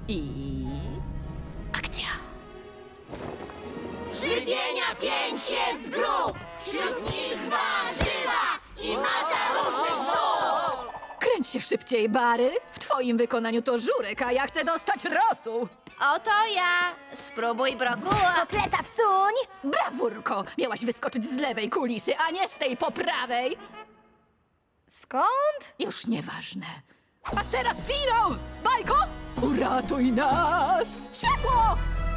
I... akcja! Żywienia 5 jest grup, wśród nich warzywa i masa różnych zup. Kręć się szybciej, Bary. W twoim wykonaniu to żurek, a ja chcę dostać rosół. Oto ja. Spróbuj brokuła. Kotleta wsuń! Brawurko! Miałaś wyskoczyć z lewej kulisy, a nie z tej po prawej. Skąd? Już nieważne. A teraz finał! Bajko, uratuj nas! Światło!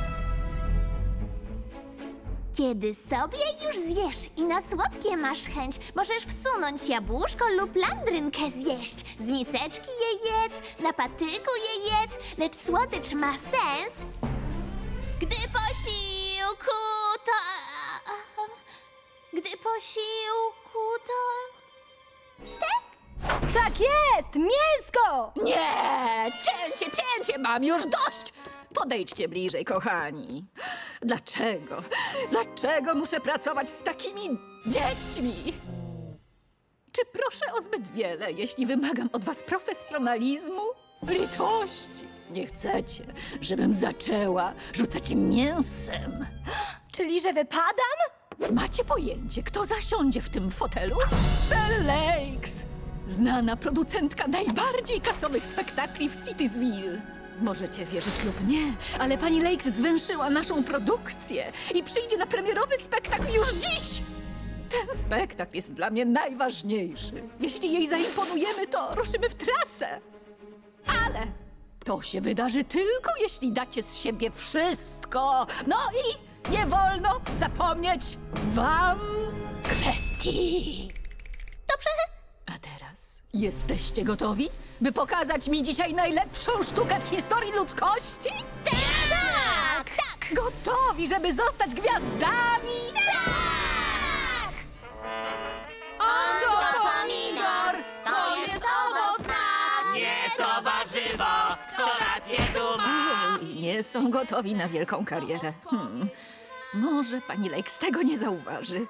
Kiedy sobie już zjesz i na słodkie masz chęć, możesz wsunąć jabłuszko lub landrynkę zjeść. Z miseczki je jedz, na patyku je jedz, lecz słodycz ma sens, gdy posiłku to... Gdy posiłku to... Stek? Tak jest! Mięsko! Nie! Cięcie! Mam już dość! Podejdźcie bliżej, kochani. Dlaczego? Dlaczego muszę pracować z takimi dziećmi? Czy proszę o zbyt wiele, jeśli wymagam od was profesjonalizmu, litości? Nie chcecie, żebym zaczęła rzucać mięsem. Czyli, że wypadam? Macie pojęcie, kto zasiądzie w tym fotelu? Belle Lakes! Znana producentka najbardziej kasowych spektakli w Citysville. Możecie wierzyć lub nie, ale pani Lakes zwęszyła naszą produkcję i przyjdzie na premierowy spektakl już dziś! Ten spektakl jest dla mnie najważniejszy. Jeśli jej zaimponujemy, to ruszymy w trasę. Ale to się wydarzy tylko, jeśli dacie z siebie wszystko. No i nie wolno zapomnieć wam kwestii. Dobrze. A teraz jesteście gotowi, by pokazać mi dzisiaj najlepszą sztukę w historii ludzkości? Tak! Tak! Gotowi, żeby zostać gwiazdami? Tak! Oto pomidor, to jest owoc nasz. Nie to warzywo, to rację tu ma. Oj, nie są gotowi na wielką karierę. Może pani Lakes tego nie zauważy.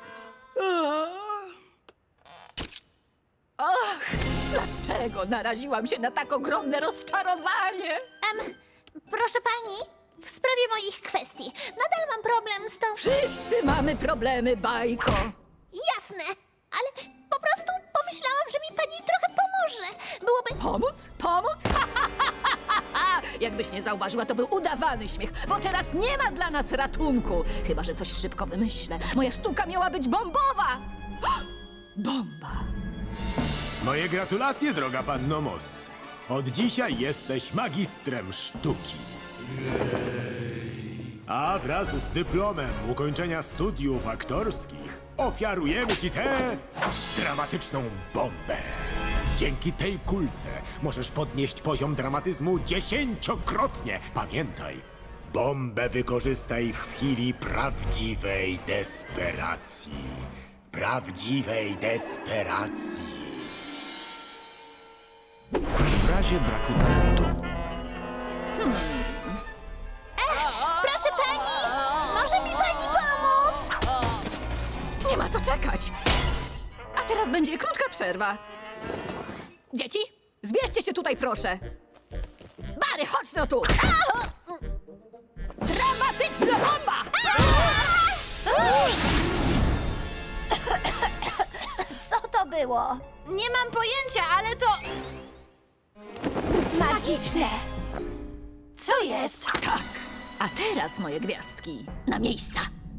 Och, dlaczego naraziłam się na tak ogromne rozczarowanie? Proszę pani, w sprawie moich kwestii. Nadal mam problem z tą... Wszyscy mamy problemy, Bajko. Jasne, ale po prostu pomyślałam, że mi pani trochę pomoże. Byłoby... Pomóc? Pomóc? Jakbyś nie zauważyła, to był udawany śmiech, bo teraz nie ma dla nas ratunku. Chyba że coś szybko wymyślę. Moja sztuka miała być bombowa. Bomba. Moje gratulacje, droga panno Moss. Od dzisiaj jesteś magistrem sztuki. A wraz z dyplomem ukończenia studiów aktorskich ofiarujemy ci tę dramatyczną bombę. Dzięki tej kulce możesz podnieść poziom dramatyzmu 10-krotnie. Pamiętaj, bombę wykorzystaj w chwili prawdziwej desperacji. Prawdziwej desperacji. W razie braku talentu. Proszę pani, może mi pani pomóc? Nie ma co czekać. A teraz będzie krótka przerwa. Dzieci, zbierzcie się tutaj, proszę. Bary, chodź no tu. Dramatyczna bomba! Co to było? Nie mam pojęcia, ale to... Magiczne. Co jest? Tak. A teraz, moje gwiazdki, na miejsca.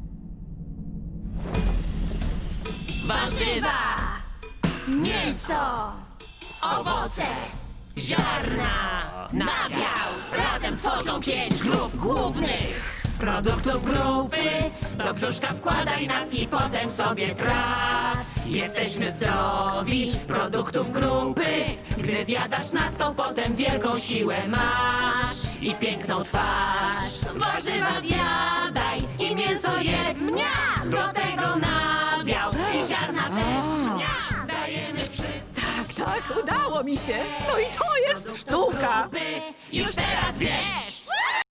Warzywa, mięso, owoce, ziarna, nabiał. Razem tworzą 5 grup głównych produktów grupy. Do brzuszka wkładaj nas i potem sobie traf. Jesteśmy zdrowi, produktów grupy. Gdy zjadasz nas, to potem wielką siłę masz i piękną twarz. Warzywa zjadaj i mięso jedz. Mniam! Do tego nabiał i ziarna też. Mniam! Dajemy wszystko. Tak, udało mi się. No i to jest sztuka. Już teraz wiesz.